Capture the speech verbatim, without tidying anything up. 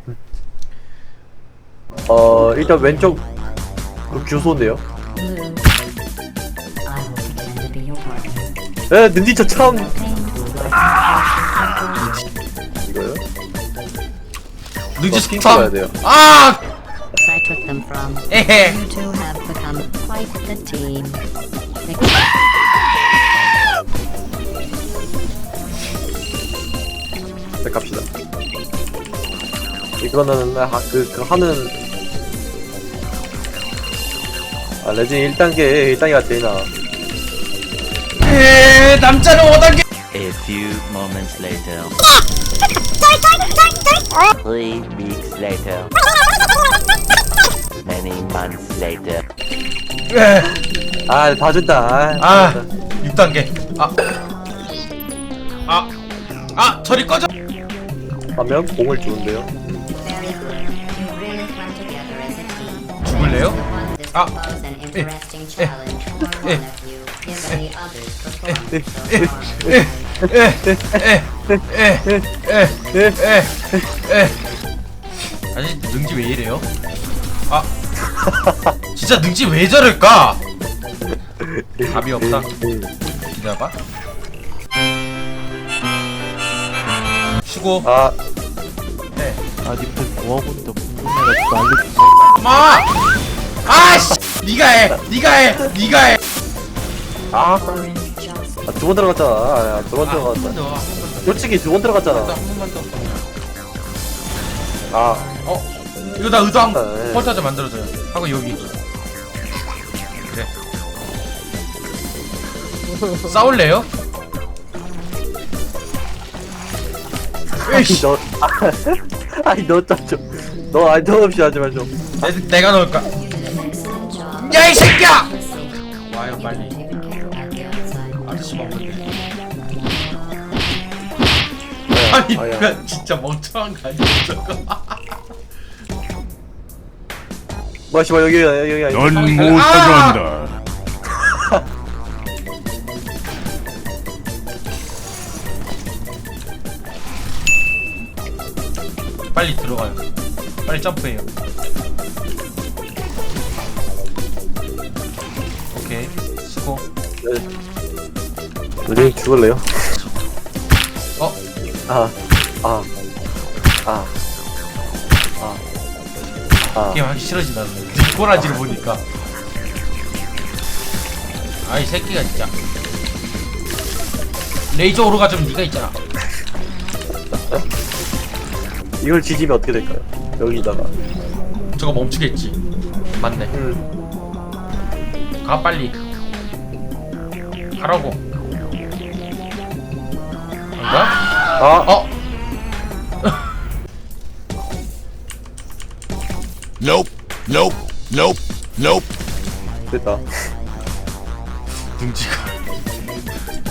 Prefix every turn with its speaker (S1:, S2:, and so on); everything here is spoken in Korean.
S1: 어 일단 왼쪽 그 교소인데요. 에 능지처 참 이거요?
S2: 능지
S1: 핑크 가야
S2: 스탐.
S1: 돼요.
S2: 아!
S3: I took them from.
S2: 에헤.
S3: You two have become quite the team.
S1: 네, 갑시다. 이거는 하, 그, 그 하는 아 레진 일 단계 일 단계가 제일 나아.
S2: 에 남자는 오 단계.
S4: A few moments later. Three weeks later. Many months later.
S2: 에.
S1: 아 봐준다. 아,
S2: 아,
S1: 봐준다.
S2: 육 단계. 아. 아. 아, 저리 꺼져.
S1: 하면 공을 주는데요.
S3: Very good. You really come together as a team.
S2: 죽을래요?
S3: One this
S2: Ah.
S3: propose an interesting challenge for one
S2: Eh.
S3: of you, given the other's performance
S2: Eh.
S3: so
S2: 에.
S3: far.
S2: 에. 에. 에. 에. 에. 아니, 능지 왜 이래요? 아. 진짜 능지 왜 저럴까? 답이 없다. 기다려봐. 쉬고.
S1: 아
S2: 네.
S5: 아 님들 뭐하고 있는데 궁금해가지고 알려주세요.
S2: 마! 아씨! 니가 해! 니가 해! 니가 해!
S1: 아,
S3: Orange just
S1: 아, 두 번 들어갔잖아. 아, 두 번
S2: 아, 한 번
S1: 들어갔다.
S2: 더, 한 번 더.
S1: 솔직히 두 번
S2: 더,
S1: 들어갔잖아.
S2: 한 번만 더.
S1: 아,
S2: 어? 이거 나 의도 한
S1: 네.
S2: 펄타자 만들어줘요. 하고 여기. 그래. 싸울래요?
S1: 아니 너, 아니 너 좀, 너 아니 너 없이 하지 마 좀.
S2: 내, 내가 넣을까?
S3: excellent job.
S2: 야, 이 새끼야!
S3: Safe.
S2: 와요, 빨리.
S3: Taken care of at the outside.
S2: 아저씨 먹는데.
S1: 네,
S2: 아니,
S1: 아야.
S2: 그 진짜 멍청한 거 아니야, 저거.
S1: 뭐 씨발 여기 여기 여기.
S6: 넌
S2: 아!
S6: 못하게 한다.
S2: 빨리 들어가요. 빨리 점프해요. 오케이, 수고.
S1: 선생님 죽을래요?
S2: 어?
S1: 아, 아, 아, 아, 아.
S2: 게임 하기 싫어진다. 꼬라지를 보니까. 아이 새끼가 진짜. 레이저 오르가 좀 네가 있잖아.
S1: 이걸 지지면 어떻게 될까요? 여기다가.
S2: 저거 멈추겠지. 맞네.
S1: 음,
S2: 가 빨리. 가라고. 뭔가?
S1: 아,
S2: 어?
S6: Nope. Nope. Nope. Nope.
S1: 됐다.
S2: 능지가